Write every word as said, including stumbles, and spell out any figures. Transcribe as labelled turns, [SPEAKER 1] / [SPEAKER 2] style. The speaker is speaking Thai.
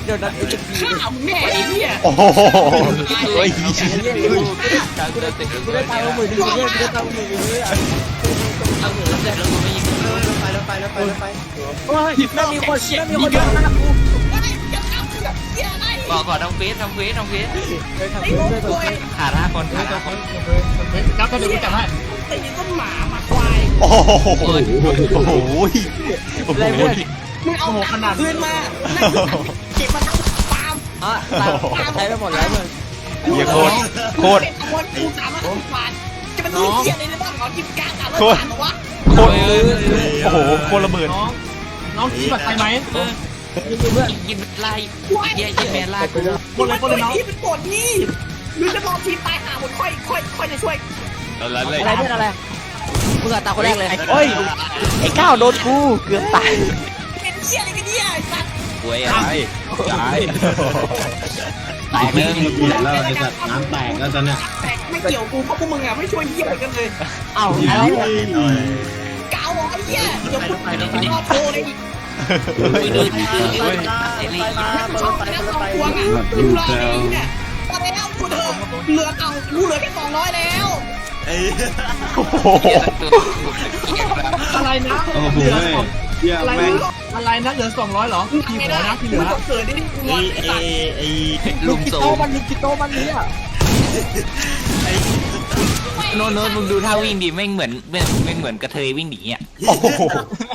[SPEAKER 1] เดี๋ยวนั้นเอ็กซ์พี
[SPEAKER 2] ข้าวแม่ไอ้เนี่ย
[SPEAKER 3] โอ้โหเฮ้ย
[SPEAKER 1] กูได้กูได้ตังค์หมื่นนึงเนี่ยกูได้ตังค์หมื่นนึงเนี่ย
[SPEAKER 4] เอาหัวแล้วแล้วกูไม่ยิง
[SPEAKER 1] ไปแล้วไปแล้วไปแล้วไปโอ้ยไม่มีคนไม่มีคนเดินมากู
[SPEAKER 4] บอกก่อนทำเฟสทำเฟสทำเฟส
[SPEAKER 1] ไปทำเพื่อนด้วย
[SPEAKER 4] ขาดห้าคนขาดห้าคน
[SPEAKER 2] จับก็เดี๋ยวกูจับให้ตีต้นหมาหมาควาย
[SPEAKER 3] โอ้โหโอ้โหโอ้โห
[SPEAKER 1] อะไรเพื่อน
[SPEAKER 2] มึงเอาขนาดคืนมาเก็บมันปาม
[SPEAKER 1] อ่ะตายใช้ไปหมดแล้วเพื่อน
[SPEAKER 3] เหี้ยโคตรโคตร
[SPEAKER 2] ขโมยกูสามารถผ่านจะเป็นตัวเหี้ยในบ้านของกินการอ่ะแล้วผ่านหรอวะ
[SPEAKER 3] โคตรโอ้โหโคตรระเบิด
[SPEAKER 2] น้องน้องคิดแบบใครไหม
[SPEAKER 1] เพื่อน
[SPEAKER 4] ยิงไล่เยี่ยยิงแมนไล่กู
[SPEAKER 2] กดเลยกดเลยน้องเป็นกดนี่หรือจะรอทีมตายหาหมดค่อยค่อยค่อยจะช่วย
[SPEAKER 3] อะไร
[SPEAKER 1] อะไรเพื่อนอะไรมึงอะตาคนแรกเลยโอ้ยไอ้ก้าวโดนกูเกือบตาย
[SPEAKER 2] เป็นเหี้ยอะไรกันเนี่ยไอ้สัตว์
[SPEAKER 4] ป่วยอะไร
[SPEAKER 3] จ่าย
[SPEAKER 4] แตกเลย
[SPEAKER 5] เปลี่ยนแล้วไอ้สัตว์น้ำแตกแล้วตอนเนี้ย
[SPEAKER 2] แต่ไม่เกี่ยวกูเพราะพวกมึงอ่ะไม่ช่วยเหี้ยอะไรกันเลย
[SPEAKER 1] เอ้าอะไรเนี่ย
[SPEAKER 2] กาวบอกไอ้เหี้ยเดี๋ยวคุณไปรอโทรเลยอีก
[SPEAKER 4] ดูดูดูดูไอ้ลี
[SPEAKER 2] ชอบนะสองพวงอ่ะดูรอไอ้เนี่ยพอแล้วกูเถอะเหลือเอากูเหลือแค่สองร้อยแล้ว
[SPEAKER 3] โอ้โห
[SPEAKER 2] อะไรนะ
[SPEAKER 5] โอ้โหเยี่ย
[SPEAKER 2] อะไร
[SPEAKER 5] แม่ง
[SPEAKER 2] อะไรนะเหลือสองร้อยหรอกี่หัวนะที่เหลือเกิดได้กูง
[SPEAKER 5] ไอ้
[SPEAKER 2] อนไอ้
[SPEAKER 5] ไอ้
[SPEAKER 2] สัตว์
[SPEAKER 5] ไอ้
[SPEAKER 4] ลุง
[SPEAKER 1] กิ
[SPEAKER 4] โซ
[SPEAKER 1] โตมันมีกิโตมันนี้อ่ะ
[SPEAKER 4] โน้นโน้นมึงดูท่าวิ่งดิแม่งเหมือนแม่งเหมือนกระเทยวิ่งหนีอ่ะ
[SPEAKER 3] โอ้โห